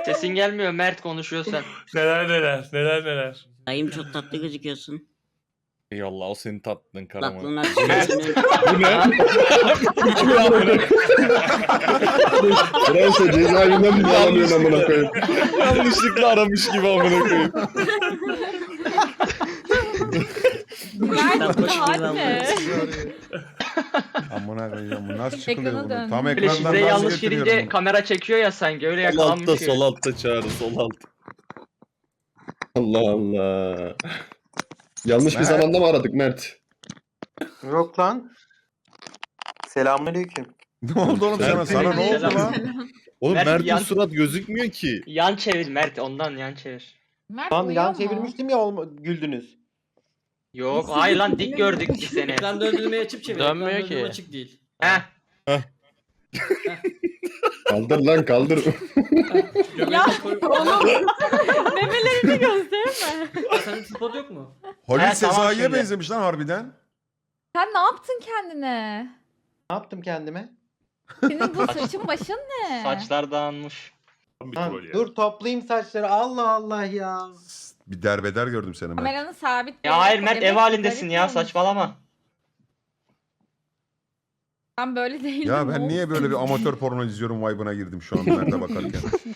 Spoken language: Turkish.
Sesin gelmiyor, Mert konuşuyor sen. Neler. Dayım çok tatlı gözüküyorsun. Eyvallah, o senin tatlın Karaman. Kulaklığın açısından. Bu ne? Fransa cezaevinden mi bağlanıyorsun amına koyayım? Yanlışlıkla aramış gibi amına koyayım. Tatlı gibi ne? Amına koyacağım bu nasıl çıkılıyor Ekrana bunu? dön. Tam Böyle ekrandan şifreyi nasıl yanlış girince getiriyorum kamera çekiyor ya sanki, öyle Sol altta, yakalanmış gibi. sol altta Çağrı, sol altta. Allah Allah. Yanlış bir Mert. zamanda mı aradık Mert? Yok lan. Selamünaleyküm. bunu? Ne oldu oğlum sana? Sana ne oldu lan? Oğlum Mert Mert'in yan- surat gözükmüyor ki. Yan çevir Mert, ondan yan çevir. Mert Lan uyuyor yan mu? çevirmiştim ya güldünüz. Yok, hayır lan, dik gördük biz seni. Ekran döndürmeyi açıp çevir. Dönmüyor Ekran döndürme ki. açık değil. Heh. Kaldır lan kaldır. Ya Koy- memelerini gösterme. Senin tripod yok mu? Halil Evet, tamam Sezai'ye şimdi. benzemiş lan harbiden. Sen ne yaptın kendine? Ne yaptım kendime? Senin bu saçın başın ne? Saçlar dağılmış. Lan, dur toplayayım saçları. Allah Allah ya. Bir derbeder gördüm seni Mert. Kameranı sabit. Ya hayır Mert, Demek ev ki halindesin garip ya, olmuş. saçmalama. Ben böyle değilim. Ya ben niye oğlum. böyle bir amatör porno izliyorum vibe'ına girdim şu an Mert'e bakarken.